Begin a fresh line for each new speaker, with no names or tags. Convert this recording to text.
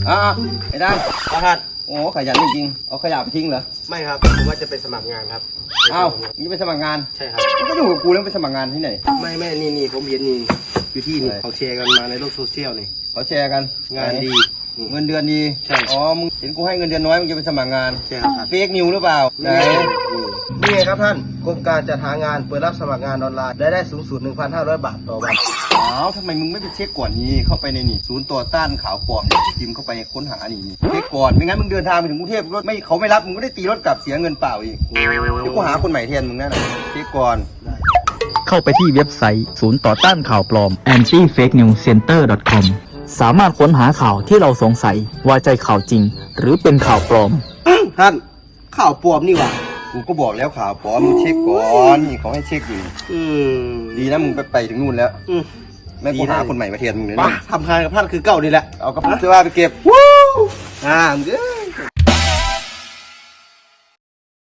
ไอ้ด้าน
ครับ
โอ้ขยันจริงๆเอาขยะไปทิ้งเหรอ
ไม่ครับผมว่าจะไปสมัครงานครับ
อ้าวมึงจะไปสมัครงาน
ใช่ครับ
มึงก็อยู่กับกูแล้วไปสมัครงานที่ไหน
ไม่นี่ผมเห็นนี่อยู่ที่นี่
อะไร
เขาแชร์กันมาในโลกโซเชียลนี่
เขาแชร์กัน
งานดี
เงินเดือนดี
ใช่
อ๋อมึงเห็นกูให้เงินเดือนน้อยมึงจะไปสมัครงาน
ใช่ครับ
เฟกนิวหรือเปล่าไหน
นี่ไงครับท่านโครงการจัดหางานเปิดรับสมัครงานออนไลน์ได้สูงสุด 1,500 บาทต่อวัน
อ้าวทำไมมึงไม่ไปเช็คก่อนนี่เข้าไปในนี่ศูนย์ต่อต้านข่าวปลอมเนี่ยพิมพ์เข้าไปค้นหานี่เช็คก่อนไม่งั้นมึงเดินทางไปถึงกรุงเทพรถไม่เขาไม่รับมึงก็ได้ตีรถกลับเสียเงินเปล่าอีกเดี๋ยวกูหาคนใหม่แทนมึงแน่นอนเช็คก่อน
เข้าไปที่เว็บไซต์ศูนย์ต่อต้านข่าวปลอม anti-fake-news-center.com สามารถค้นหาข่าวที่เราสงสัยว่าใจข่าวจริง หรือเป็นข่าวปลอม
ท่านข่าวปลอมนี่หว่า
กูก็บอกแล้วข่าวปลอมมึงเช็คก่อนนี่เขาให้เช็คอยู่ ดีนะมึงไปถึงนู่นแล้วแม่กูหาคนใหม่มาแทนมึงเลย
ไป
นะ
ทำงานกับท่านคือเก่าดีแหละ
เอากระเป๋าเสื้อผ้าไปเก็บ
มึงเอ้ย